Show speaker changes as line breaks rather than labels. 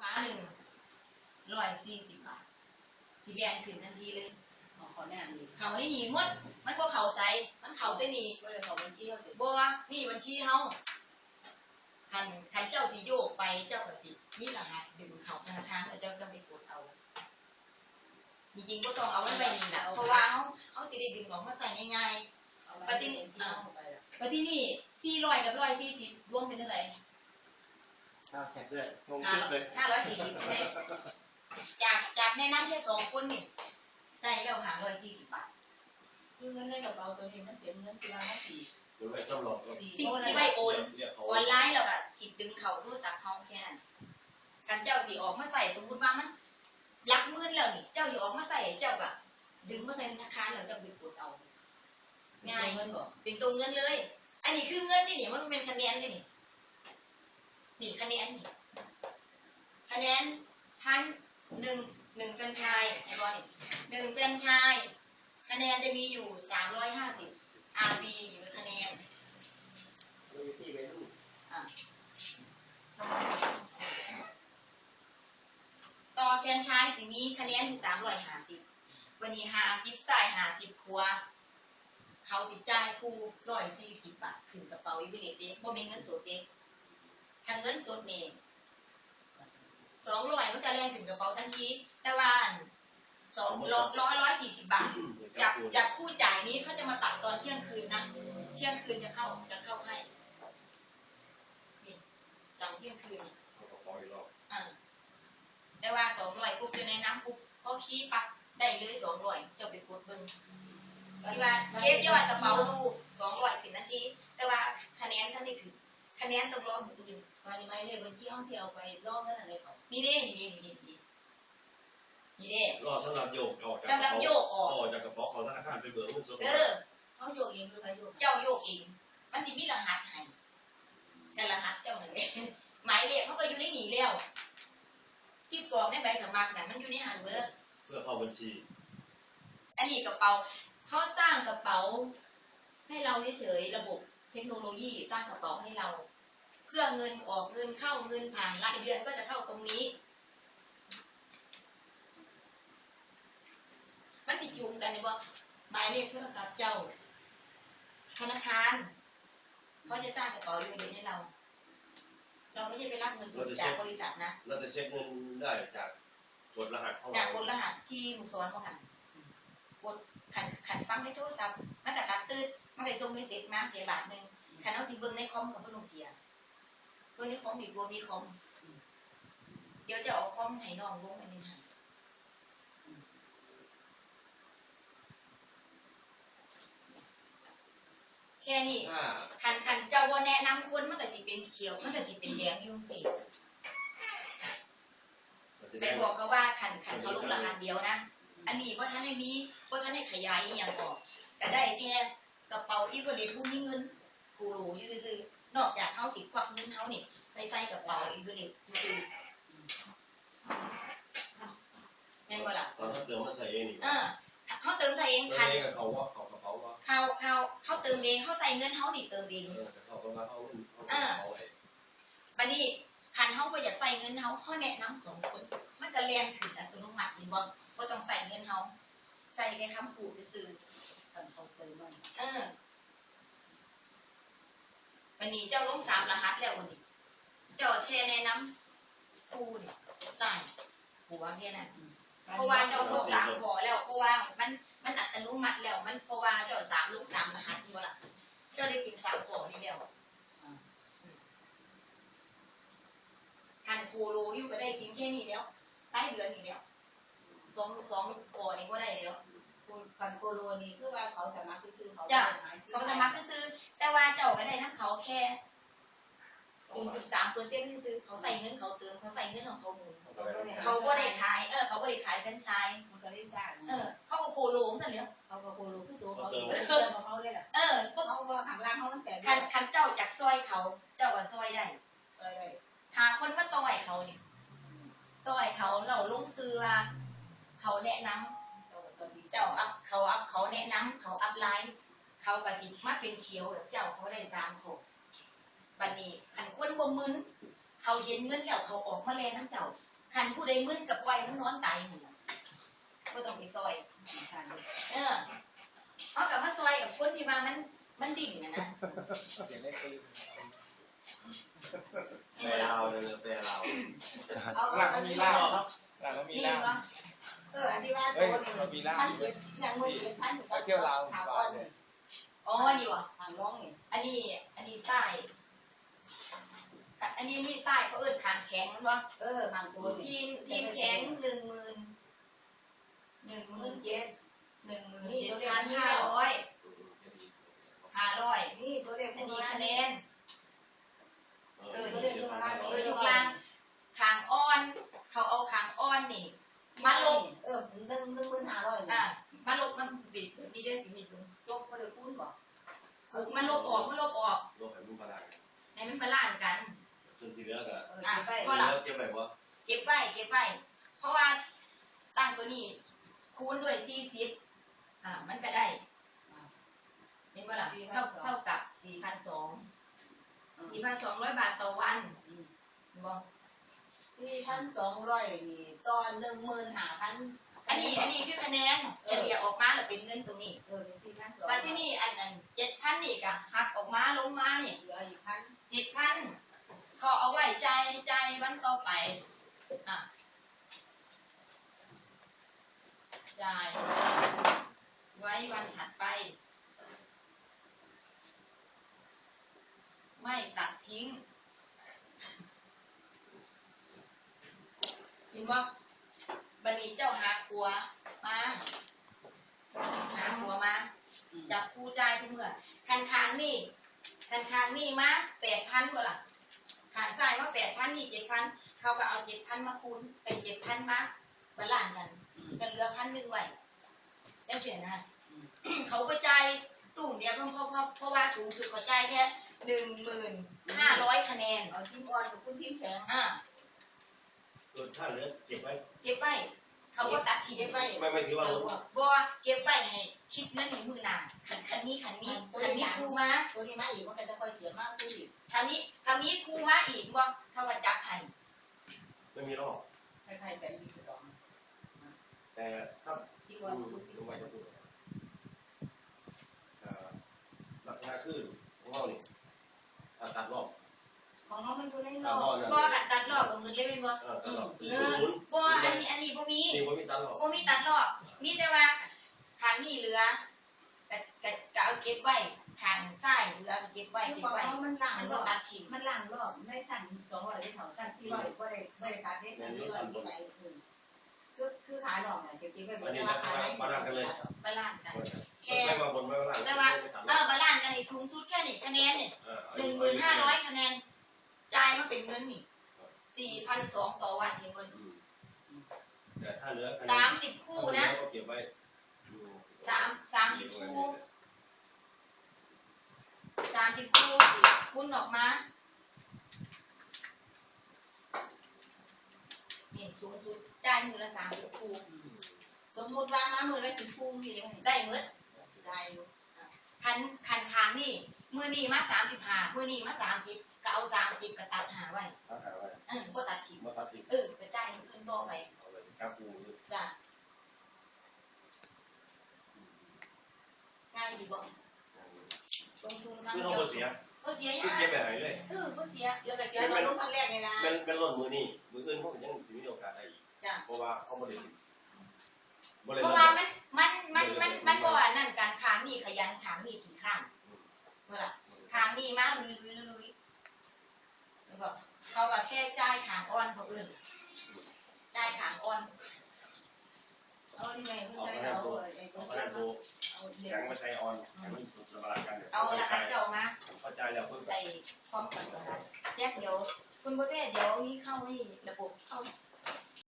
ฟ้า140 บาทสิแบนขึ้นทันทีเลย
ขอแน่นดี
เขาได้หนีหมดมันบ่เขาใส่มันเขาได้หนี
บ่ได้เขาบัญชีเขาสิ
บ่นี่บัญชีเฮาคันเจ้าสิโยกไปเจ้าก็สิมีรหัสดึงเข้าธนาคารแล้วเจ้าจะไปกดเอาจริงๆบ่ต้องเอาไว้นี่ล่ะเพราะว่าเฮาสิได้ดึงออกมาใส่ง่ายๆปฏินี่400กับ140รวมเป็นเท่าไหร่
แท็กด้วยงงคิดเลย
540ได้จากในนั้นแค่2คนนี่ได้แล้ว540 บาท
คือเงินในกระเป๋าตัวนี้มันเป็นเงินกีฬาสี
หรือไว้สำหรับ
ที่ไว้โอนออนไลน์แล้วก็สิดึงเข้าโทรศัพท์เฮาแค่นั้นคันเจ้าสิออกมาใส่สมมุติว่ามันหลักหมื่นแล้วนี่เจ้าสิออกมาใส่เจ้าก็ดึงมาใส่ธนาคารแล้วเจ้าไปกดเอาง่ายเป็นตัวเงินเลยอันนี้คือเงินนี่มันเป็นคะแนนเลยนี่คะแนนนี่คะแนน1เป็นชายไอ้บอลนี่1เป็นชายคะแนนจะมีอยู่350 RB อยู่ในคะแนน
ที่ไปดู
ต่อแฟนชายสิมีคะแนนอยู่350วันนี้50จ่าย50ครัวเขาติดจ่ายคู่140 บาทขึ้นกระเป๋าอีวิเลตเด้บ่มีเงินสดเด้ถ้าเงินสดนี่200มันก็แล่นขึ้นกระเป๋าทันทีแต่ว่า140 บาทจากผู้จ่ายนี้เขาจะมาตัดตอนเที่ยงคืนนะเที่ยงคืนจะเข้าให้นี่หลังเที่ยงคืนแต่ว่า200ปุ๊บจะในน้ำปุ๊บพอขี้ปักได้เลย200จะไปกดเบิ่งที่ว่าเช็คยอดกระเป๋ารูป200ขึ้นนาทีแต่ว่าคะแนนท่านนี่คือคะแนนต้องรอคนอื่น
วันนี้ไม่เลยบัญชีห้องที่เอาไปล่อเงินอะไรเขา
นี่เด้
รอสำหรับโยกออกจากกระเป๋าของธนาคารไปเบิกเงินสด
เขาโยกเองหรือใครโยก
เจ้าโยกเองมันสิมีรหัสให้กันรหัสเจ้านั่นแหละหมายเลขเขาก็อยู่ในนี้แล้วที่กรอกในใบสมัครน่ะมันอยู่ในหันเบิด
เพื่อเข้าบัญชี
อันนี้กระเป๋าเขาสร้างกระเป๋าให้เราเฉยๆระบบเทคโนโลยีสร้างกระเป๋าให้เราเพื่อเงินออกเงินเข้าเงินผ่านรายเดือนก็จะเข้าตรงนี้มันติดจุ่มกันเนี่ยบ่หมายเลขโทรศัพท์เจ้าธนาคารเขาจะสร้างกระเป๋าอยู่ในให้เราไม่ใช่ไปรับเงินสดจากบริษัทนะ
เราจะเช็คเงินได้จากกดรหัส
จากกดรหัสที่หมู่สอนเขาค่ะกดขันฟังในโทรศัพท์มันก็ตัดตืดมันก็ส่งเมสเซจมาเสียบาทนึงขันเอาสิเบิ้งในคอมกับเบิ้งเสียเบิ้งในคอมอีกบัวมีคอมเดี๋ยวจะเอาคอมให้น้องลงอันนี้ค่ะแค่นี้ขันเจ้าว่าแนะนำคนมันก็สิเป็นเขียวมันก็สิเป็นแดงยุ่งสิไปบอกเขาว่าขันเขาลงรหัสเดียวนะอันนี้ว่าท่านได้มีว่าท่านได้ขยายอย่างออกก็ได้แค่กระเป๋าอีเวอร์เรผู้มีเงินกูรู้อยู่ซื่อนอกจากเขาสิควักเงินเขานี่ไปใส่กระเป๋าอีเวอร์เรซื่อแม่นบ่ล่ะ
เขาเติมมาใส่เองนี่
เขาเติมใส่เอง
คันเขาว่าเขากระเป๋าว่า
เขาเติมเองเขาใส่เงินเขานี่เติมเอง
เขาก็มาเขา
บัดนี้คันเขาบ่อยากใส่เงินเขาแนะนำ2คนมันก็แล่นขึ้นอัตโนมัตินี่บ่ต้องใส่เงินเขาใส่แค่คำพูดซื่อ
เขาเติมมัน
วันนี้เจ้าลง3รหัสแล้ววันนี้เจ้าแค่แนะนำกูนี่ใส่หัวแค่นั้นเพราะว่าเจ้าลง3พอแล้วเพราะว่ามันอัตโนมัติแล้วมันเพราะว่าเจ้า3ลง3รหัสบ่ล่ะเจ้าได้กิน3พอนี่แล้วคันโคโลอยู่ก็ได้กินแค่นี้แล้วใต้เดือนนี่แล้ว2พอนี่ก็ได้แล้ว
คันโคโลนี่คือว่าเขาสามารถซื้อเขา
เขาสามารถซื้อแต่ว่าเจ้าก็ได้น้ำเขาแค่ 0.3% ซื้อเขาใส่เงินเขาเติมเขาใส่เงินของเขาหมุนเขาบ่ได้ขายเขาบ่ได้ขายแฟรนไชส์
มันก็ได้สร้าง
เขาก็โคโลนั่นแหละ
เขาก็โคโลคือตัวเขาเองเขาเลยล่ะเขาว่าข้างล่างเขาตั้งแต่
คันเจ้าจากซอยเขาเจ้าก็ซอยได้ถ้าคนมาต่อยเขานี่ต่อยเขาเราลงซื้อว่าเขาแนะนำเจ้าเขาแนะนำเขาอัพไลน์เขาก็สิมาเป็นเขียวเจ้าเขาได้3คนบัดนี้คันคนบ่มึนเขาเห็นเงินแล้วเขาออกมาแลน้ำเจ้าคันผู้ใดมึนกับไว้มันนอนตายหมู่ก็ต้องไปซอยเขากับมาซอยกับคนที่มามันดิ่งนะ
แปลเราเลยแปลเรา
หลังมีล่าหลังมี
นี่
ล่า
วะ
อันที่ว่าตัวนี้มันเก็บอย่างมือเก็บพันอยู่กับเที่ยวลาวถามว่าเนี่ย
อ๋อนี่วะ
ทางร้องเนี่ย
อันนี้ไส้อันนี้ไส้เขาเอิ้นขางแข็งมั้งวะ
ทางตัว
ทีมแข็ง17,500
นี่ตัวเล็ก
อัน
นี้
นี้คะแนน
ตัวเล็กขึ้นมาล่าง
ยกล่างขางอ่อนเขาเอาขางอ่อนนี่มาลง
15,500
มาลบมันบิดนี่ได้สิพี่ดู
ลบก็ได้คูณบ่
มันลบออก
โลกแห่งมุมพลัง
ให้มันบาลานซ์กัน
ส่วนที่เหลือก็
ไป
เก็บไว้ว่า
เก็บไว้เพราะว่าตั้งตัวนี้คูณด้วย40มันก็ได้เห็นป่ะล่ะเท่ากับ 4,200 บาทต่อวันบ่
4,200นี่ตอน 15,000
อันนี้คือคะแนนเฉลี่ยออกมาแล้วเป็นเงินตรงนี้
เป็น4,200
ว่าที่นี่อันนั้น7,000นี่ก็หักออกมาลงมานี่
เหลืออีกพัน
7,000เขาเอาไว้จ่ายวันต่อไปจ่ายไว้วันถัดไปไม่ตัดทิ้งเห็นบ่บัดนี้เจ้าหาขัวมาจับผู้จ่ายทุกเมื่อคันค้างนี่มา 8,000บ่ล่ะหารซ้ายว่า 8,000 นี่ 7,000 เขาก็เอา 7,000 มาคูณเป็น 7,000 มาบาลานซ์กันเหลือ 1,000 ไว้ได้เสียนะ เขาไปจ่ายตุ่มเดียวเพราะว่าสูงสุดเขาจ่ายแค่ 1,500 คะแนน
เอาทีมอ่อนกับคุณทีมแข็ง
ถ้าเหลือเก็บไว้
เก็บไว้เขาก็ตัดทิ้งไว้
ไม่ถือว่า
บ่เก็บไว้ให้คิดเงินในมือหน้าคันมีครูมา
ตัวนี้มาอีกมันก็จะค่อยเสียมากขึ้นอีก
ถ้ามีครูมาอีกบ่เขาก็จับให้
ไม่มีรอบ
คล้ายๆแบบนี้สอง
แต่ถ้า
ที่ว่าคุณ
ลงไปจะพูดหลักหน้าขึ้นของเรานี่ตัดรอบ
ของเขามันอยู่ในรอบ
บ่หัดตัดรอบบ่เหมือนเลยแม่นบ่
ตัดรอบ
บ่อันนี้บ่มี
นี่ว่ามีตัดรอบ
บ่มีตัดรอบมีแต่ว่าทางนี้เหลือก็เอาเก็บไว้ทางซ้ายเหลือก็เก็บไว้
คือบอกว่ามันล่าง
มัน
ร
บ่
อบ
ตัดทิ้ง
มันล่างรอบไม่สั่น200ได้เท่าสั่น400ก็ได้ตัดได้สั่น400ไปคือขาหนอกน่ะจะเก็บไว้บนราคาไหน
บาลานซ์กัน
ไม่มาบนไม่มาหลัง
แต่ว่าบาลานซ์กันนี่สูงสุดแค่นี้คะแนนนี่ 1,500 คะแนนจ่ายมาเป็นเงินนี่ 4,200 ต่อวันเห็นบ่
แต่ถ้าเหลือ
30 คู่นะ
ก็เก็บไว้
30 คู่คุณออกมานี่สูงสุดจ่ายมือละ30 คู่
สมมุติว่ามามือละ10คู่มีเลย
ได้หมด
ได้อยู่
คันทางนี่มือนี่มา35มือนี่มา30ก็เอา30ก็ตัดหาไว้
ตัดหาไว้
บ่ตัดทิ้ง
มาตัดทิ้ง
ไปจ่ายมื้ออื่นต่อไป
เอาเลยครับกู
จ้ะง่ายดีบ่ลงทุนครั้ง
คือ
เดี
เขา
ยว
เสีย
บ่เสีย
คือเก็บไปไหนเลย
บ่เสีย
เดี๋ยวก็เสียตอนลงครั้งแรกนี่นะ
เป็นรถมือนี่มืออื่นเขายังมีโอกาสได้อีก
จ้ะ
เพราะว่าเขาไม่ได้
เพราะว่ามันบ่ว่านั่นการค้างนี่ขยันค้างนี่ถี่ข้างเมื่อล่ะค้างนี่มาลุยแล้วก็เขาก็แค่จ่ายค้างอ่อนเขาอื่นจ่ายค้างอ่อน
เอานี่ไงเพิ่ง
ออก
ใช้
มา
เอา
โบ
ไอ้ตัว
มาโบ
เอาเด็
แข็
ก
งมาใช้ออนแข็งมันระบายกัน
เอาละคะเจ้ามา
เข้าใจแล้วเพิ่ง
ใส่ความฝันนะคะแยกเดี๋ยวคุณประเภทเดี๋ยวนี้เข้าให้